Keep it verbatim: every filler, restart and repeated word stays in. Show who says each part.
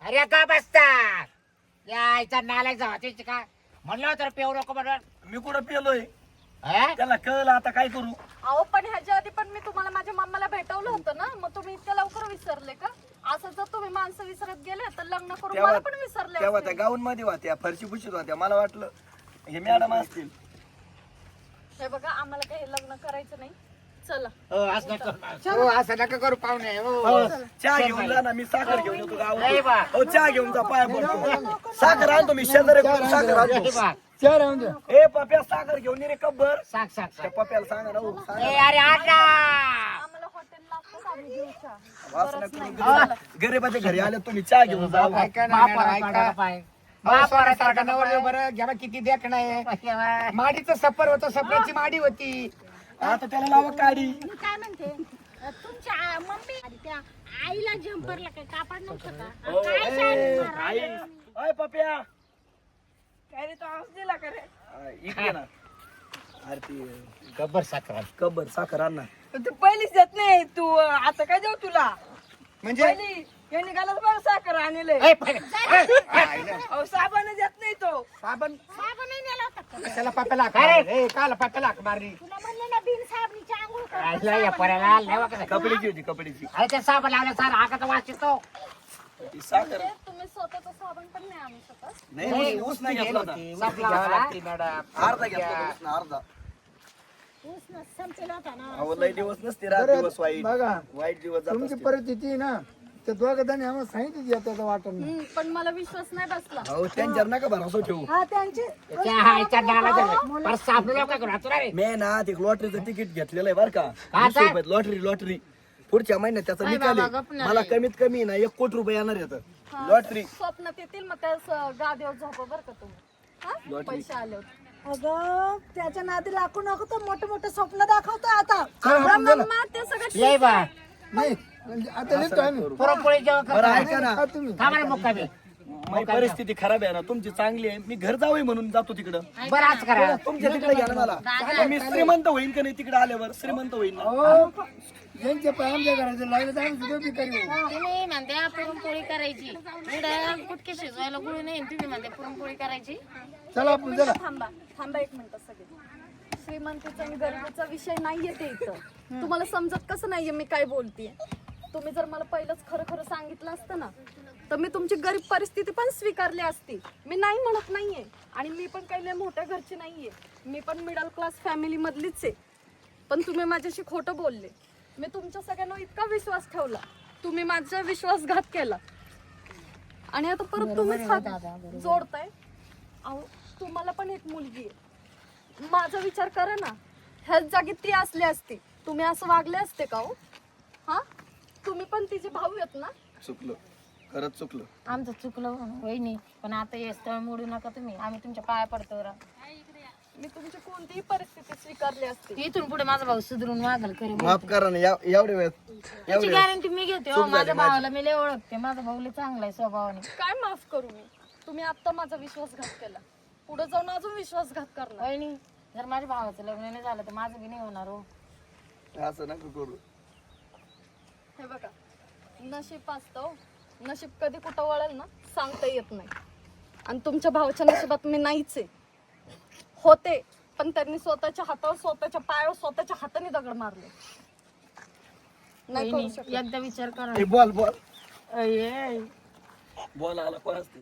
Speaker 1: अरे का बसता यायचा नालायक जावा त्याची का म्हणलं होतं पेऊ नको म्हणून
Speaker 2: मी कुठं पेलोय
Speaker 1: हा?
Speaker 2: त्याला कळलं आता काय करू.
Speaker 3: अहो पण ह्याच्या आधी पण मी तुम्हाला माझ्या मम्माला भेटवलं होतं ना, मग तुम्ही इतक्या लवकर विसरले का? असं जर तुम्ही माणसं विसरत गेले तर लग्न करून मला पण विसरले
Speaker 2: तेव्हा
Speaker 3: असते.
Speaker 2: त्या गाऊन मध्ये होत्या फरशी पुशीत होत्या मला वाटलं हे मॅडम असतील.
Speaker 3: हे बघा आम्हाला काही लग्न करायचं नाही, चला.
Speaker 1: हो असं नका करू. हो असं नका करू पाहुणे हो
Speaker 2: हो, चहा घेऊन जा ना, मी साखर घेऊन येतो
Speaker 1: नाही बा.
Speaker 2: गावात. हो चहा घेऊन जा, पाय पडतो. साखर आणतो मी शेजारी साखर
Speaker 1: हे
Speaker 2: आणतो.
Speaker 1: बा.
Speaker 4: चार राहून द्या.
Speaker 2: ए पप्या साखर घेऊन ये रे कब्बर.
Speaker 1: सांग सांग
Speaker 2: त्या
Speaker 1: सांग
Speaker 2: पप्याला सांगा ना हो, सांगा.
Speaker 1: ए अरे आटा
Speaker 3: आम्हाला हॉटेल लागतं आम्ही घेऊ चहा.
Speaker 2: वासना
Speaker 3: गरज
Speaker 2: करून
Speaker 3: नाही.
Speaker 2: गरीब- गरीबाच्या घरी आले तुम्ही चहा घेऊन जा.
Speaker 4: ऐका ना
Speaker 1: बापाला
Speaker 4: मॅडम,
Speaker 1: तोंडाला
Speaker 4: ऐका.
Speaker 1: पाय.
Speaker 4: अहो,
Speaker 1: बापाला
Speaker 4: सोन्यासारखा
Speaker 1: तोंडाला
Speaker 4: नवरदेव
Speaker 1: पाय.
Speaker 4: बरं घ्या बा, किती देखणं आहे.
Speaker 1: तेव्हा.
Speaker 4: माडीचं सफर होतं, सफराची माडी होती.
Speaker 2: आता त्याला लावा काढी.
Speaker 5: मी काय म्हणते अ, तुमच्या आ- मम्मी आणि त्या आईला जम्परला काही कापड नव्हतं का?
Speaker 2: हो,
Speaker 5: काय
Speaker 2: ए,
Speaker 5: शाळेत
Speaker 2: आई.
Speaker 5: मारायला?
Speaker 2: ओय पप्या
Speaker 3: काय रे तो आवाज दिला का रे?
Speaker 2: आ, इकडे ना. अरे ती
Speaker 1: गब्बर साखर
Speaker 2: कब्बर साखर आण ना.
Speaker 6: तू पहिलीच देत नाही तू आता काय देऊ तुला
Speaker 4: म्हणजे
Speaker 6: पहिली यांनी घालत बरं साखर आणले
Speaker 1: ए, पहिले.
Speaker 6: अहो साबण देत नाही तो
Speaker 4: साबण
Speaker 5: साबणही नेला होता का?
Speaker 4: त्याला पाप्याला हाक
Speaker 1: अरे.
Speaker 4: मारली. ए, काला पाप्याला हाक मारली.
Speaker 5: तुला म्हणले ना बिन साबणीची आंघोळ कर.
Speaker 1: राहिला या पोऱ्याला लय वाकडं.
Speaker 2: कपड्याची होती कपड्याची.
Speaker 1: अरे ते साबण लावलं सार आकाचा वास येतो
Speaker 2: ती साखर
Speaker 3: म्हणजे तुम्ही स्वतःचा साबण पण नाही आणू शकत.
Speaker 2: नाही नाही, ऊस नाही घेतला होता.
Speaker 4: उलटी घ्यावं लागते, मॅडम.
Speaker 2: अर्धा घेतला होता ऊस ना, अर्धा.
Speaker 5: ऊस न संपेला होता ना.
Speaker 2: अहो लय दिवस नसते रात
Speaker 4: बरं,
Speaker 2: दिवस वाईट
Speaker 4: बघा
Speaker 2: वाईट दिवस जात
Speaker 4: तुमची
Speaker 2: असते.
Speaker 4: परिस्थिती आहे ना त्या दोघं जणी आम्हाला सांगितली त्याचं वाटण
Speaker 3: हम्म, पण मला विश्वास नाही बसला.
Speaker 2: अहो त्यांच्यावर नका भरोसा ठेवू.
Speaker 3: हा त्यांची
Speaker 1: त्या हायच्या नाला झालं पर साबण लाव काय करू हातून रे
Speaker 2: मी ना ते लॉटरीचं तिकीट घेतलेलं आहे बरं का.
Speaker 1: काय?
Speaker 2: वीस रुपयात लॉटरी लॉटरी पुढच्या महिन्यात त्याचा निकाल आहे. मला कमीत कमी ना एक कोटी रुपये येणार येतं लॉटरी.
Speaker 3: स्वप्नात येतील मग त्या स- गादीवर झोपा बरं का तुम्ही. हा?
Speaker 2: लॉटरी.
Speaker 3: पैसे आले होते.
Speaker 7: अगं त्याच्या नादी लागू नको तर मोठे मोठे स्वप्न दाखवतो आता.
Speaker 4: चला, आपण चला.
Speaker 3: मग ते सगळं
Speaker 1: ये बा
Speaker 4: नाही म्हणजे आता लिहितो आम्ही.
Speaker 1: पुरणपोळी जेवण
Speaker 2: बरं ऐका ना,
Speaker 4: हा, तुम्ही
Speaker 1: थांबा रे मुक्कामी
Speaker 2: माझी परिस्थिती खराब आहे ना, तुमची चांगली आहे. मी घर जावं म्हणून जातो तिकडं.
Speaker 1: बरं आज करा
Speaker 2: तुमच्या तिकडे घ्या ना मला. आता मी श्रीमंत होईन का नाही तिकडे आल्यावर श्रीमंत होईन ना.
Speaker 4: अहो, यांचे पाय आमच्या घराचे लागले तर आम्ही सुद्धा बी करू.
Speaker 5: तुम्ही म्हणते पुरणपोळी करायची इकडे कुटके शिजवायला गुळी नाही तुम्ही म्हणते पुरणपोळी करायची.
Speaker 4: चला आपण चला.
Speaker 3: थांबा थांबा एक मिनिट सगळे. श्रीमंतीचा आणि गरिबीचा विषय नाहीये ते इथं. तुम्हाला समजत कसं नाहीये मी काय बोलतेय. तुम्ही जर मला पहिलंच खरं खरं सांगितलं असतं ना तर मी तुमची गरीब परिस्थिती पण स्वीकारली असती. मी नाही म्हणत नाहीये आणि मी पण काही लय मोठ्या घरची नाहीये. मी पण मिडल क्लास फॅमिली मधलीच आहे. पण तुम्ही माझ्याशी खोटं बोलले. मी तुमच्या सगळ्यांना इतका विश्वास ठेवला, तुम्ही माझा विश्वासघात केला आणि आता परत तुम्हीच हात जोडताय. अहो तुम्हाला पण एक मुलगी आहे. माझा विचार करा ना, ह्याच जागी ती असली असती तुम्ही असं वागले असते का हो? हा तुम्ही पण तिचे भाऊ आहेत ना.
Speaker 2: चुकलो, खरंच चुकलो.
Speaker 5: आमचं चुकलं वहिनी, पण आता हे स्थळ मोडू नका तुम्ही. आम्ही तुमच्या पाया पडतो.
Speaker 3: मी तुमची कोणतीही परिस्थिती स्वीकारली असते.
Speaker 5: इथून पुढे माझा भाऊ सुधरून वागल खरी
Speaker 2: माफ करा ना या- एवढे वेळ
Speaker 5: त्याची
Speaker 2: एवढे वेळ.
Speaker 5: गॅरंटी मी घेते हो. माझ्या भावाला मी लय ओळखते. माझा भाऊ लय चांगला आहे स्वभावाने.
Speaker 3: काय माफ करू मी? तुम्ही आता माझा विश्वासघात केला, पुढे जाऊन अजून विश्वासघात करणार.
Speaker 5: वहिनी जर माझ्या भावाचं लग्न नाही झालं तर माझं बी नाही होणार हो.
Speaker 2: असं नका करू.
Speaker 3: हे बघा, नशीब असतं. नशीब कधी कुठं वळेल ना सांगता येत नाही. आणि तुमच्या भावाच्या नशिबात मी नाहीच आहे. होते पण त्यांनी स्वतःच्या हातावर स्वतःच्या पायावर स्वतःच्या हाताने दगड मारले. नाही करू
Speaker 5: वहिनी
Speaker 3: शकत.
Speaker 5: एकदा विचार करा.
Speaker 2: ए, बोल बोल
Speaker 5: अये.
Speaker 2: बोल आला कोण असते.